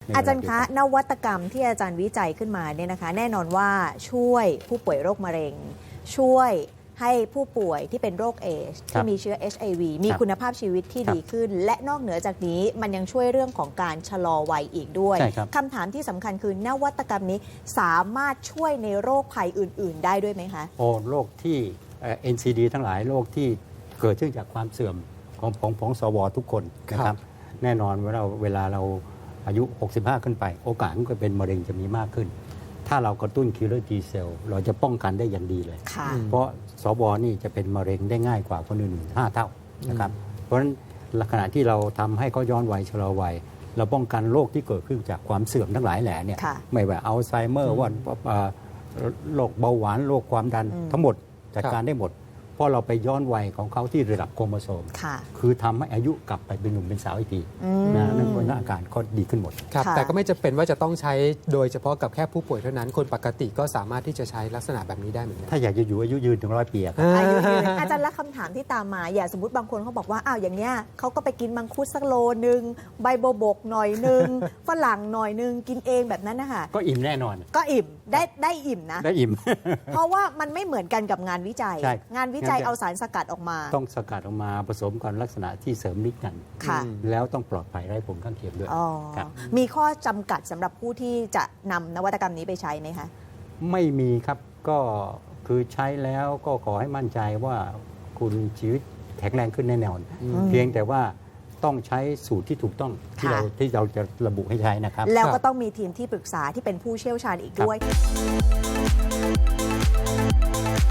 อาจารย์คะนวัตกรรมที่อาจารย์วิจัยขึ้นมาเนี่ยนะคะแน่นอนว่าช่วยผู้ป่วยโรคมะเร็งช่วยให้ผู้ป่วยที่เป็นโรคเอชที่มีเชื้อ HIV มีคุณภาพชีวิตที่ดีขึ้นและนอกเหนือจากนี้มันยังช่วยเรื่องของการชะลอวัยอีกด้วยคำถามที่สำคัญคือนวัตกรรมนี้สามารถช่วยในโรคภัยอื่นๆได้ด้วยไหมคะโรคที่ NCD ทั้งหลายโรคที่เกิดขึ้นจากความเสื่อมของสวทุกคนนะครับแน่นอนเวลาเราอายุ 65 ขึ้นไปโอกาสก็เป็นมะเร็งจะมีมากขึ้นถ้าเรากระตุ้นคิลเลอร์ T เซลล์เราจะป้องกันได้อย่างดีเลยเพราะสวนี่จะเป็นมะเร็งได้ง่ายกว่าคนอื่น5 เท่านะครับเพราะฉะนั้นขณะที่เราทำให้เขาย้อนวัยชะลอวัยเราป้องกันโรคที่เกิดขึ้นจากความเสื่อมทั้งหลายแหล่เนี่ยไม่ว่าอัลไซเมอร์ว่าโรคเบาหวานโรคความดันทั้งหมดจัดการได้หมดเพราะเราไปย้อนวัยของเขาที่ระดับโครโมโซมคือทำให้อายุกลับไปเป็นหนุ่มเป็นสาวอีกทีนั่นก็อาการก็ดีขึ้นหมดครับแต่ก็ไม่จำเป็นว่าจะต้องใช้โดยเฉพาะกับแค่ผู้ป่วยเท่านั้นคนปกติก็สามารถที่จะใช้ลักษณะแบบนี้ได้เหมือนกันถ้าอยากจะอยู่อายุยืนถึง100 ปีอายุยืนอาจารย์ละคำถามที่ตามมาอย่างสมมติบางคนเขาบอกว่าอ้าวอย่างเนี้ยเขาก็ไปกินมังคุดสักโลนึงใบโบบกหน่อยนึงฝรั่งหน่อยนึงกินเองแบบนั้นนะคะก็อิ่มแน่นอนก็อิ่มได้อิ่มนะได้อิ่มเพราะว่ามันไม่เหมือนกันกับงานวิจัยงานวิจัยเอาสารสกัดออกมาต้องสกัดออกมาผสมกันลักษณะที่เสริมฤทธิ์กันแล้วต้องปลอดภัยไร้ผลข้างเคียงด้วยมีข้อจำกัดสำหรับผู้ที่จะนำนวัตกรรมนี้ไปใช้ไหมคะไม่มีครับก็คือใช้แล้วก็ขอให้มั่นใจว่าคุณชีวิตแข็งแรงขึ้นแน่นอนเพียงแต่ว่าต้องใช้สูตรที่ถูกต้องที่เราจะระบุให้ใช้นะครับแล้วก็ต้องมีทีมที่ปรึกษาที่เป็นผู้เชี่ยวชาญอีกด้วย